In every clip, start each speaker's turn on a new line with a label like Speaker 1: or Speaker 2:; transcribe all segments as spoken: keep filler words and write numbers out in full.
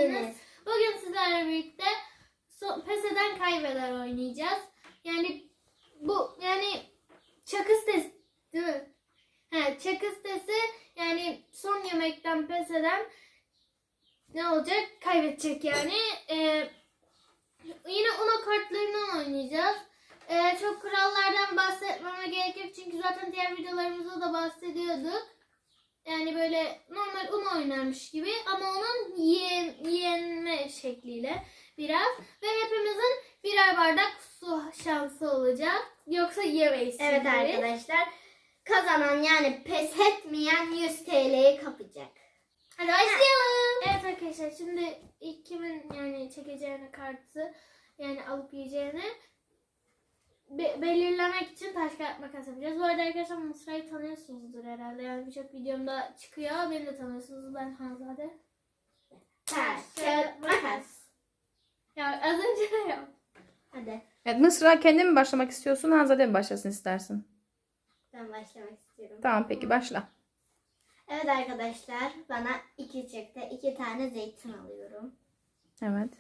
Speaker 1: geldiniz. Bugün sizlerle birlikte so pes eden kaybeder oynayacağız. Yani bu yani çakı sitesi değil mi? He, çakı sitesi yani son yemekten pes eden ne olacak? Kaybedecek yani. Ee, yine Uno kartlarından oynayacağız. Ee, çok kurallardan bahsetmeme gerek yok çünkü zaten diğer videolarımızda da bahsediyorduk. Yani böyle normal Uno oynarmış gibi ama onun yen, yenme şekliyle biraz. Ve hepimizin birer bardak su şansı olacak. Yoksa yemeyiz.
Speaker 2: Evet arkadaşlar. Kazanan yani pes etmeyen yüz T L'yi kapacak.
Speaker 1: Hadi başlayalım. Evet arkadaşlar şimdi ilk kimin yani çekeceğini kartı yani alıp yiyeceğini Be- belirlemek için taş kağıt makas yapacağız. Bu arada arkadaşlar Mısra'yı tanıyorsunuzdur herhalde. Yani birçok videomda çıkıyor. Beni de tanıyorsunuz. Ben Hanzade.
Speaker 2: Taş, kağıt, makas.
Speaker 1: Ya az önce de yap.
Speaker 2: Hadi
Speaker 3: Evet, Mısra kendi mi başlamak istiyorsun, Hanzade mi başlasın istersin?
Speaker 2: ben başlamak istiyorum.
Speaker 3: Tamam peki başla.
Speaker 2: Evet arkadaşlar bana iki çıktı. İki tane zeytin alıyorum.
Speaker 3: Evet.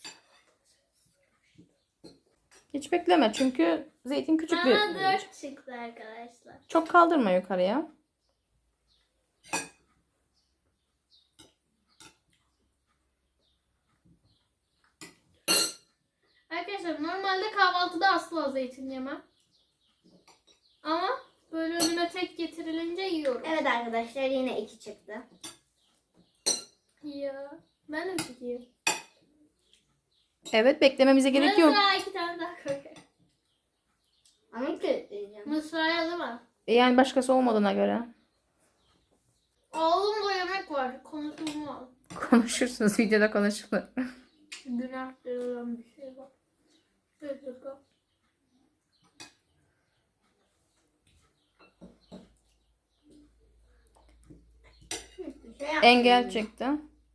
Speaker 3: Hiç bekleme çünkü zeytin küçük bir...
Speaker 1: Bana dört çıktı arkadaşlar.
Speaker 3: Çok kaldırma yukarıya.
Speaker 1: Arkadaşlar normalde kahvaltıda asla zeytin yemem. Ama böyle önüme tek getirilince yiyorum.
Speaker 2: Evet arkadaşlar yine iki çıktı.
Speaker 1: Ya ben de mi çekeyim?
Speaker 3: Evet, beklememize gerek yok.
Speaker 1: Mısra'ya iki tane daha koyayım.
Speaker 2: Ama kilitleyeceğim.
Speaker 1: Mısra'ya değil mi?
Speaker 3: E, Yani başkası olmadığına göre.
Speaker 1: Oğlumda yemek var. Konuşulmaz.
Speaker 3: Konuşursunuz, videoda konuşulur.
Speaker 1: Günah denilen bir şey var. Evet bakalım.
Speaker 2: Hiçbir şey yapmayayım.
Speaker 3: Engel çıktı.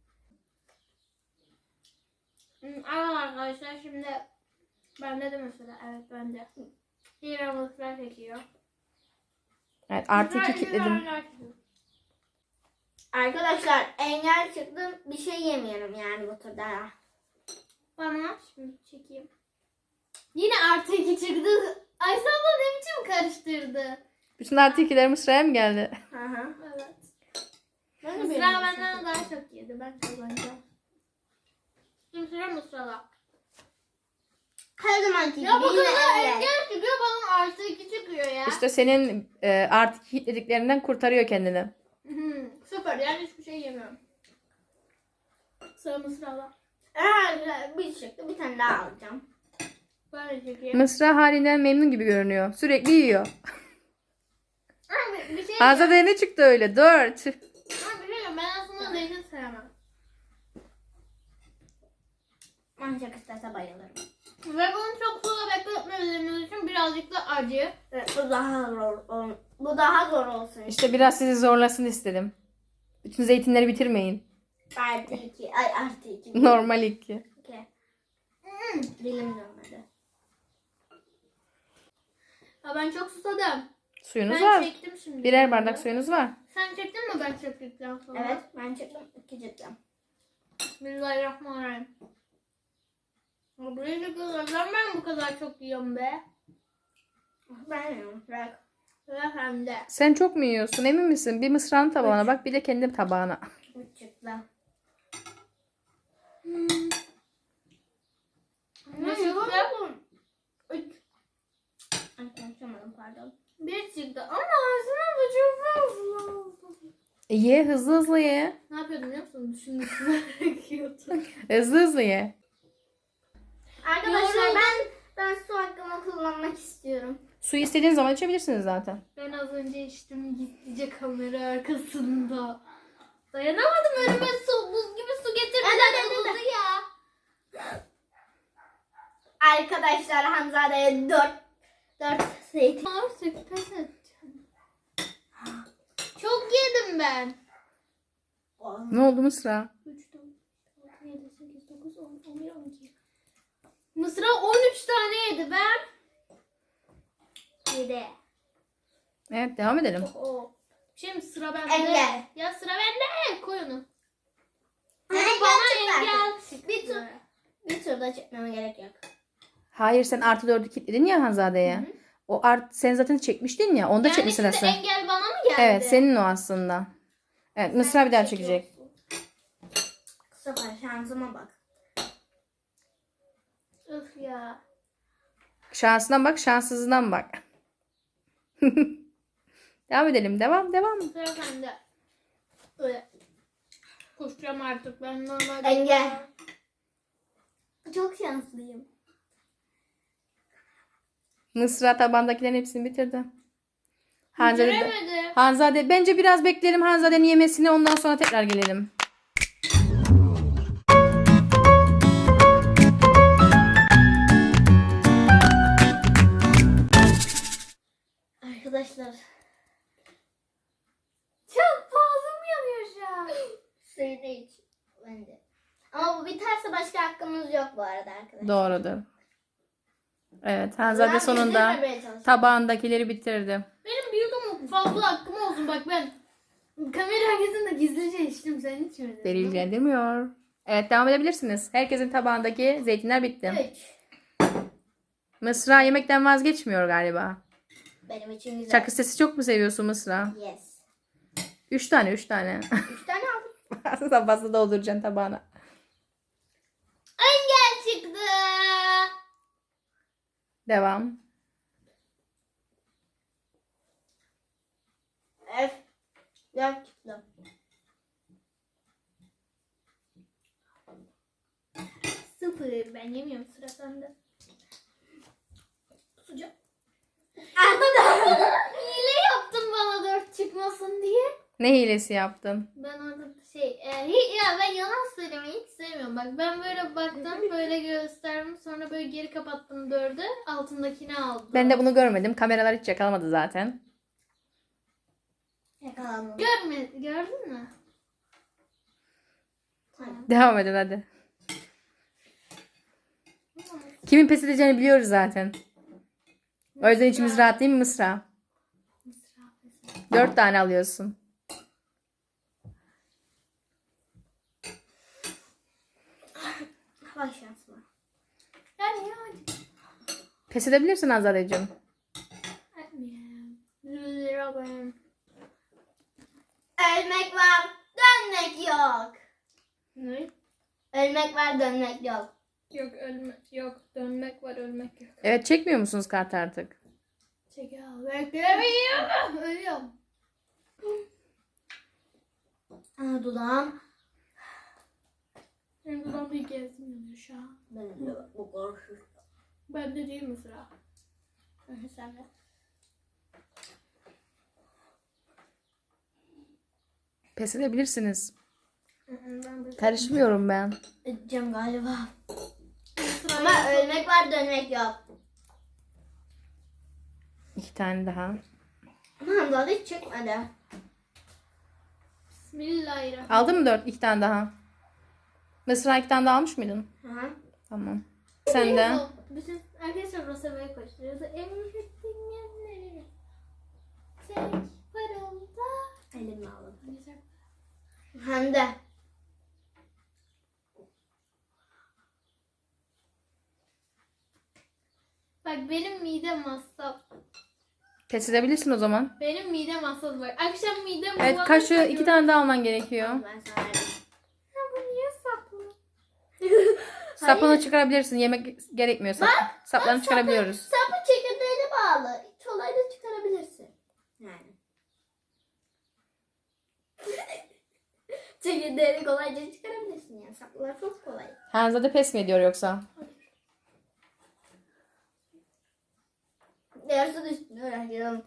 Speaker 1: Hmm, Evet arkadaşlar şimdi bende de mesela evet bende. Hira Mısra çekiyor.
Speaker 3: Evet, artı
Speaker 1: Mısra
Speaker 3: iki
Speaker 1: iki
Speaker 3: kilitledim.
Speaker 1: tane çekiyor.
Speaker 2: Arkadaşlar engel çıktı. Bir şey yemiyorum yani bu turda.
Speaker 1: Bana şimdi çekeyim. Yine artı iki çıktı. Ayşe abla ne biçim karıştırdı.
Speaker 3: Bütün artı ikiler Mısra'ya mı geldi?
Speaker 2: Hı hı.
Speaker 1: Evet.
Speaker 2: Ben de
Speaker 1: Mısra
Speaker 2: beğendim.
Speaker 1: benden daha çok yedi. Ben kazanacağım. Şimdi sıra Mısra'da.
Speaker 2: Her zamanki gibi
Speaker 1: Ya bu
Speaker 2: yine
Speaker 1: kadar
Speaker 2: engel.
Speaker 1: engel çıkıyor bana artı iki çıkıyor ya.
Speaker 3: İşte senin e, artı iki kilitlediklerinden kurtarıyor kendini.
Speaker 1: Hmm, süper yani hiçbir şey yemiyorum. Sıra Mısra'da.
Speaker 2: Eğer bir çıktı bir tane daha alacağım.
Speaker 1: Ben de çekeyim.
Speaker 3: Mısra halinden memnun gibi görünüyor. Sürekli yiyor.
Speaker 1: Abi bir şey
Speaker 3: Hanzade'ye ne çıktı öyle? Dört.
Speaker 1: Abi bir şey diyeyim, ben aslında zeytin sevmem.
Speaker 2: Ancak isterse bayılırım.
Speaker 1: Ve bunu çok fazla bekletmediğimiz için birazcık da acı.
Speaker 2: Evet, bu daha zor. ol- Bu daha zor olsun.
Speaker 3: İşte biraz sizi zorlasın istedim. Bütün zeytinleri bitirmeyin.
Speaker 2: Artı iki. Ay artı iki.
Speaker 3: Normal iki.
Speaker 2: İki.
Speaker 1: Hmm.
Speaker 2: Dilim dönmedi.
Speaker 1: Ya ben çok susadım.
Speaker 3: Suyunuz
Speaker 1: Ben
Speaker 3: var.
Speaker 1: çektim şimdi.
Speaker 3: Birer bardak suyunuz var.
Speaker 1: Sen çektin mi ben çektikten sonra?
Speaker 2: Evet ben çıktım. İki çıktım.
Speaker 1: Bismillahirrahmanirrahim. Ya buraya çekiyorlar. Neden ben bu kadar çok yiyorum be?
Speaker 2: Ben yiyorum. Bırak.
Speaker 1: Ve hem de.
Speaker 3: Sen çok mu yiyorsun? Emin misin? Bir Mısra'nın tabağına bak, bir de kendi tabağına.
Speaker 2: Üç çıktı.
Speaker 1: Hmm. Ne
Speaker 2: Ne
Speaker 1: çıktı?
Speaker 2: yapalım?
Speaker 1: Üç.
Speaker 2: Ay konuşamadım pardon.
Speaker 1: Bir çıktı. Ama ağzına da çok fazla oldu.
Speaker 3: E, ye, hızlı hızlı ye.
Speaker 1: Ne yapıyordum biliyor musun? Düşündüm. Bekiyordum.
Speaker 3: Hızlı hızlı ye.
Speaker 2: Arkadaşlar
Speaker 1: Yoruldum.
Speaker 2: ben ben su hakkımı kullanmak istiyorum.
Speaker 3: Suyu istediğiniz zaman içebilirsiniz zaten.
Speaker 1: Ben az önce içtim gizlice kamera arkasında. Dayanamadım önüme su, buz gibi su getirdiler
Speaker 2: Evet, evet,
Speaker 1: buzu ya.
Speaker 2: Arkadaşlar Hanzade'ye dört dört zeytin.
Speaker 1: Artık pes edeceğim. Çok yedim ben.
Speaker 3: Ne oldu Mısra?
Speaker 1: üç, dört, altı, yedi, sekiz, dokuz, on, on bir, on iki. Mısra on üç tane yedi ben.
Speaker 2: Yedi.
Speaker 3: Evet, devam edelim.
Speaker 1: O. Şimdi sıra bende.
Speaker 2: Engel.
Speaker 1: Ya sıra bende. Koy onu. Bana engel
Speaker 2: Bir tur, bir turda çekmeme gerek yok.
Speaker 3: Hayır sen artı dördü kilitledin ya Hanzade'ye. O art sen zaten çekmiştin ya. Onda
Speaker 1: Yani
Speaker 3: çekme
Speaker 1: şimdi
Speaker 3: sırası.
Speaker 1: engel bana mı geldi?
Speaker 3: Evet senin o aslında. Evet Mısra bir daha çekecek.
Speaker 2: Bu sefer şansıma bak.
Speaker 1: Öf ya.
Speaker 3: Şansından bak şanssızından bak. Devam edelim. Devam devam.
Speaker 1: Sıra sende. Öyle. Koşacağım artık ben normalde.
Speaker 2: Engel. Çok şanslıyım.
Speaker 3: Mısra tabandakilerin hepsini bitirdi. Hanzade,
Speaker 1: Bitiremedim.
Speaker 3: Hanzade bence biraz bekleyelim Hanzade'nin yemesini ondan sonra tekrar gelelim.
Speaker 2: Arkadaşlar
Speaker 1: Çok boğazım yanıyor şu an.
Speaker 2: suyunu iç. Ben de. Ama bu biterse başka hakkımız yok bu arada arkadaşlar.
Speaker 3: Doğrudur. Evet Hanzade
Speaker 2: Ulan
Speaker 3: sonunda
Speaker 2: bitirmemeye çalışıyorum.
Speaker 3: tabağındakileri bitirdi.
Speaker 1: Benim büyük ama fazla hakkım olsun bak ben. Kamera arkasında gizlice içtim sen içmedin.
Speaker 3: Delillendirmiyor. Evet devam edebilirsiniz. Herkesin tabağındaki zeytinler bitti.
Speaker 2: Üç.
Speaker 3: Mısra yemekten vazgeçmiyor galiba.
Speaker 2: Benim için güzel.
Speaker 3: Çakı sesi çok mu seviyorsun Mısra?
Speaker 2: Yes.
Speaker 3: Üç tane üç tane.
Speaker 2: Üç tane aldım.
Speaker 3: Aslında fazla dolduracaksın tabağına.
Speaker 1: Engel çıktı.
Speaker 3: Devam.
Speaker 2: F. Dört çıktı.
Speaker 1: Sıfır. Ben yemiyorum sıra sende.
Speaker 2: Sıcak.
Speaker 1: Hile yaptın bana dört çıkmasın diye.
Speaker 3: Ne hilesi yaptın?
Speaker 1: Ben orada şey e, hi- ya ben yalan söylemeyi hiç sevmiyorum. Bak ben böyle baktım böyle gösterdim sonra böyle geri kapattım dördü altındakini aldım.
Speaker 3: Ben de bunu görmedim. Kameralar hiç yakalamadı zaten.
Speaker 2: Yakalandım.
Speaker 1: Görme, gördün mü?
Speaker 2: Tamam.
Speaker 3: Devam edin hadi. Kimin pes edeceğini biliyoruz zaten. O yüzden içimiz rahat değil mi Mısra? Dört tane alıyorsun.
Speaker 2: Bak şansıma.
Speaker 1: Yani yani.
Speaker 3: Pes edebilirsin Azadeciğim.
Speaker 1: Etmeyeyim. Lira benim.
Speaker 2: Ölmek var, dönmek yok.
Speaker 1: Ne?
Speaker 2: Ölmek var, dönmek yok.
Speaker 1: Yok ölme, yok dönmek var ölmek yok.
Speaker 3: Evet çekmiyor musunuz kart artık?
Speaker 1: Çek al. Beklemiyorum. Ölüyorum.
Speaker 2: Aa, dudağım.
Speaker 1: Benim dudağımda ilk gezmiyor şu an.
Speaker 2: Benim de bu korku.
Speaker 1: Bende değil mi sıra?
Speaker 2: Sen de.
Speaker 3: Pes edebilirsiniz.
Speaker 1: Ben de
Speaker 3: Karışmıyorum ben.
Speaker 2: Edeceğim galiba.
Speaker 1: sıra
Speaker 2: Ama ölmek var, dönmek yok.
Speaker 3: İki tane daha.
Speaker 2: Aman da hiç çıkmadı.
Speaker 1: Bismillahirrahmanirrahim.
Speaker 3: Aldın mı dört? İki tane daha. Mısra iki tane daha almış mıydın?
Speaker 2: Hı.
Speaker 3: Tamam. Sen de.
Speaker 1: Bütün arkadaşlar Rosava'ya koşturuyordu. Emrettiğin yerleri. Tek parılda.
Speaker 2: Elimi aldım. Hem de.
Speaker 1: Bak benim midem hassas.
Speaker 3: Pes edebilirsin o zaman.
Speaker 1: Benim midem hassas bak. Akşam midem
Speaker 3: Evet
Speaker 1: bulanırsa
Speaker 3: kaşığı iki
Speaker 1: gör-
Speaker 3: tane daha alman gerekiyor.
Speaker 2: Ben sana verdim.
Speaker 1: Ya bu niye saplı?
Speaker 3: Sapını çıkarabilirsin. Yemek gerekmiyor. Sap, saplarını çıkarabiliyoruz.
Speaker 2: Sapı çekirdeğine bağlı. Çolayla çıkarabilirsin. Yani. Çekirdeğini kolayca çıkarabilirsin yani. Saplar çok kolay.
Speaker 3: Hanzade pes mi ediyor yoksa?
Speaker 2: Yarısı üstüne öğreniyorum.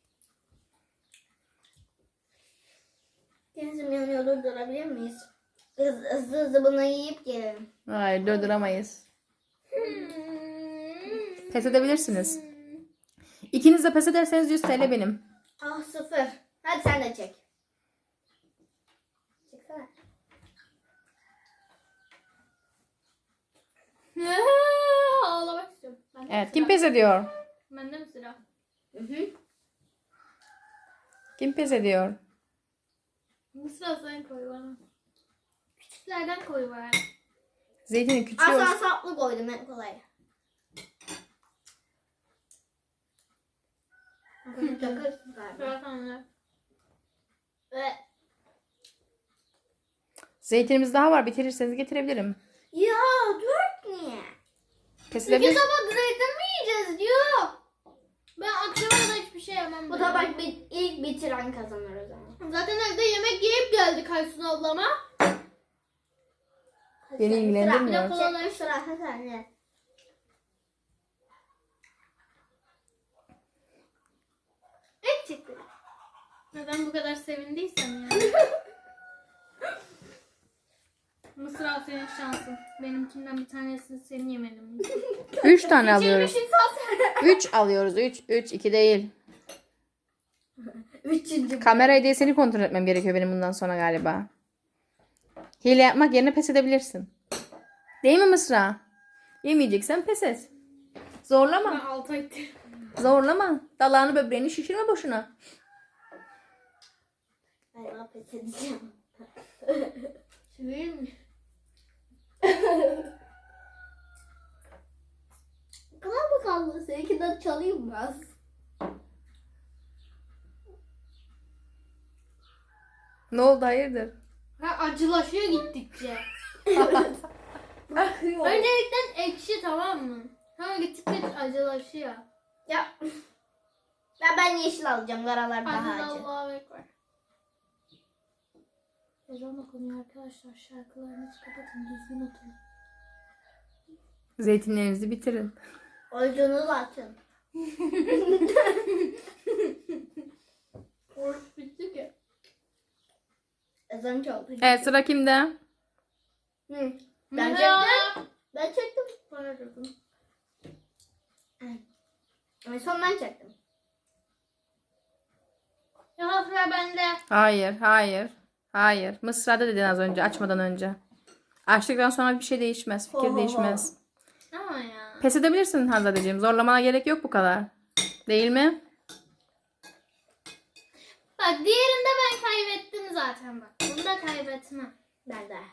Speaker 2: Denizim yanıyor, durdurabilir miyiz? Hızlı hızlı, hızlı bunu yiyip gelelim.
Speaker 3: Hayır durduramayız. Pes edebilirsiniz. İkiniz de pes ederseniz yüz T L benim.
Speaker 2: Ah sıfır. Hadi sen de çek. Çeksene.
Speaker 1: Ağlamak istiyorum. Bende mi
Speaker 3: Evet
Speaker 1: sıra?
Speaker 3: kim pes ediyor?
Speaker 1: Bende mi sıra?
Speaker 2: Hı hı.
Speaker 3: Kim pes ediyor?
Speaker 1: Bu sıra sen koy bana. küçüklerden koy bari.
Speaker 3: Zeytinin küçüğü
Speaker 2: Aslan
Speaker 3: olsun.
Speaker 2: saplı koydum en kolay. Çakırsın galiba.
Speaker 1: Bırak onları.
Speaker 2: Ve
Speaker 3: Zeytinimiz daha var. Bitirirseniz getirebilirim.
Speaker 2: ya dört niye?
Speaker 3: Pes
Speaker 1: İki
Speaker 3: edebilir.
Speaker 1: tabak zeytin mi yiyeceğiz? Yok. Ben akşama da hiçbir şey yemem.
Speaker 2: Bu
Speaker 1: ben.
Speaker 2: tabak bit ilk bitiren kazanır o zaman.
Speaker 1: Zaten evde yemek yiyip geldik Aysun ablama.
Speaker 3: Beni ilgilendirmiyor.
Speaker 1: Sıra-
Speaker 2: Kolaları sıra sen
Speaker 1: Et çıktı. Neden bu kadar sevindiysem yani. Mısır al senin şansın. Benimkinden bir tanesini senin yemedin.
Speaker 3: Üç tane alıyoruz.
Speaker 1: Çevirmiş insan.
Speaker 3: Üç alıyoruz. Üç. Üç. iki değil.
Speaker 2: Üçüncü.
Speaker 3: Kamerayı değil seni kontrol etmem gerekiyor benim bundan sonra galiba. Hile yapmak yerine pes edebilirsin. Değil mi Mısra? Yemeyeceksen pes et.
Speaker 1: Ben
Speaker 3: Zorlama.
Speaker 1: altı ettim.
Speaker 3: Zorlama. Dalağını böbreğini şişirme boşuna.
Speaker 2: Galiba pes edeceğim.
Speaker 1: Çevirir mi?
Speaker 2: Bu kadar mı kaldı? Seninkinden çalayım biraz.
Speaker 3: Ne oldu hayırdır?
Speaker 1: Ha, acılaşıyor gittikçe.
Speaker 2: Bakıyorum.
Speaker 1: Öncelikle ekşi, tamam mı? Sonra gittikçe acılaşıyor.
Speaker 2: Ya. Ya ben yeşil alacağım. Karalar daha
Speaker 1: Hadi
Speaker 2: acı.
Speaker 1: Allah'a ekber. Ezan okunuyor arkadaşlar. Şarkılarınızı kapatın. Düzgün oturun.
Speaker 3: Zeytinlerinizi bitirin.
Speaker 2: Oyuncunu da açın.
Speaker 1: Oruç bitti ki.
Speaker 2: Ezan çaldı.
Speaker 3: Evet sıra kimde?
Speaker 2: Hı. Ben
Speaker 1: Merhaba.
Speaker 2: çektim. Ben çektim.
Speaker 1: Bana dokun.
Speaker 2: En son ben çektim.
Speaker 1: Ya sıra bende.
Speaker 3: Hayır, hayır, hayır. Mısra'da dedin az önce, açmadan önce. Açtıktan sonra bir şey değişmez, fikir
Speaker 2: Ho, ho, ho.
Speaker 3: değişmez.
Speaker 1: Ama ya.
Speaker 3: Pes edebilirsin Hanzadeciğim. Zorlamana gerek yok bu kadar. Değil mi?
Speaker 1: Bak diğerinde ben kaybettim zaten bak. Bunu da kaybetmem.
Speaker 2: Ben de.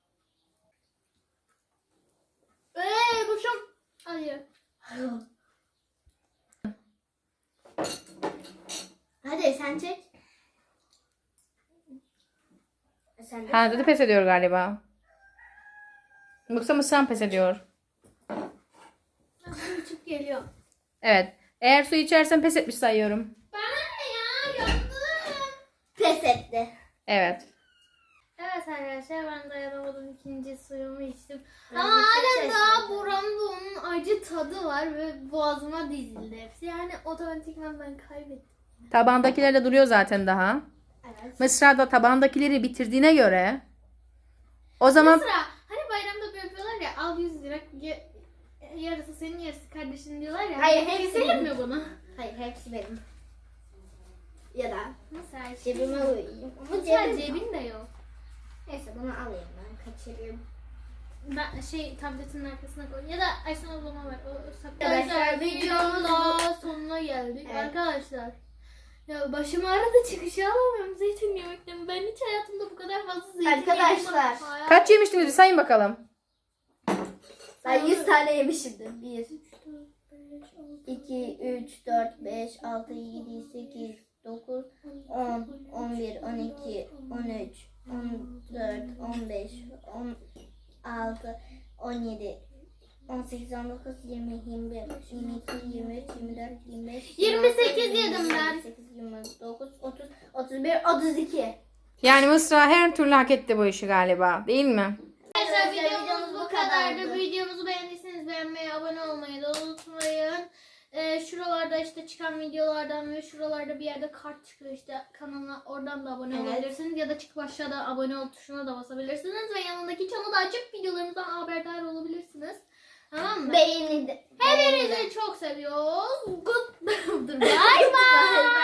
Speaker 1: Eee bu çok acı.
Speaker 2: Hadi sen çek. Sen de.
Speaker 3: Hanzade pes ediyor galiba. Yoksa Mısra pes ediyor.
Speaker 1: Küçük geliyor.
Speaker 3: Evet. Eğer su içersen pes etmiş sayıyorum.
Speaker 1: Bana ne ya? Yandım.
Speaker 2: Pes etti.
Speaker 3: Evet.
Speaker 1: Evet arkadaşlar ben dayanamadım, ikinci suyumu içtim.
Speaker 2: Ben
Speaker 1: Ama
Speaker 2: de çok
Speaker 1: hala daha
Speaker 2: şaşırdım.
Speaker 1: buramda onun acı tadı var ve boğazıma dizildi hepsi. Yani otomatikman ben kaybettim.
Speaker 3: Tabağındakiler de duruyor zaten daha.
Speaker 2: Evet.
Speaker 3: Mısra da tabağındakileri bitirdiğine göre o zaman
Speaker 1: Sıra hani bayramda böyle yapıyorlar ya, al yüz lira y- yarısı senin yarısı kardeşin diyorlar ya.
Speaker 2: Hayır, hepsi
Speaker 1: Keselim
Speaker 2: benim.
Speaker 1: mi bunu?
Speaker 2: Hayır hepsi benim. Ya da
Speaker 1: Mesela
Speaker 2: cebime koyayım. Ama
Speaker 1: Mesela
Speaker 2: cebim.
Speaker 1: cebin de yok.
Speaker 2: Neyse bunu alayım ben. Kaçırayım.
Speaker 1: Ben şey tabletinin arkasına koy. Ya da Aysun ablama ver. O saklı.
Speaker 2: Arkadaşlar,
Speaker 1: Arkadaşlar
Speaker 2: videomuzun-
Speaker 1: videonun daha sonuna geldik.
Speaker 2: Evet.
Speaker 1: Arkadaşlar. Ya başım ağrıdı, çıkışı alamıyorum zeytin yemekten. Ben hiç hayatımda bu kadar fazla zeytin
Speaker 2: Arkadaşlar,
Speaker 1: yemedim. Hayal-
Speaker 3: kaç yemiştiniz bir sayın bakalım.
Speaker 2: Ben yüz tane yemişimdir. bir,
Speaker 1: üç, dört, beş, altı,
Speaker 2: iki, üç, dört, beş, altı, yedi, sekiz, dokuz, on, on bir, on iki, on üç, on dört, on beş, on altı, on yedi, on sekiz, on dokuz, yirmi, yirmi bir, yirmi iki, yirmi üç, yirmi dört, yirmi beş,
Speaker 1: yirmi sekiz yedim ben.
Speaker 2: yirmi sekiz, yirmi dokuz, otuz, otuz bir, otuz iki.
Speaker 3: Yani Mısra her türlü hak etti bu işi galiba. Değil mi?
Speaker 1: Arkadaşlar
Speaker 2: Arkadaşlar,
Speaker 1: videomuz bu kadardı. Videomuzu beğendiyseniz beğenmeyi, abone olmayı da unutmayın. Ee, şuralarda işte çıkan videolardan ve şuralarda bir yerde kart çıkıyor işte kanalına, oradan da abone
Speaker 2: Evet.
Speaker 1: olabilirsiniz. Ya da çıkıp aşağıda abone ol tuşuna da basabilirsiniz. Ve yanındaki çanı da açıp videolarımızdan haberdar olabilirsiniz. Tamam mı?
Speaker 2: Beğeni de. beğeni de.
Speaker 1: Hepinizi çok seviyoruz. Good. Bye bye.
Speaker 2: Bye bye.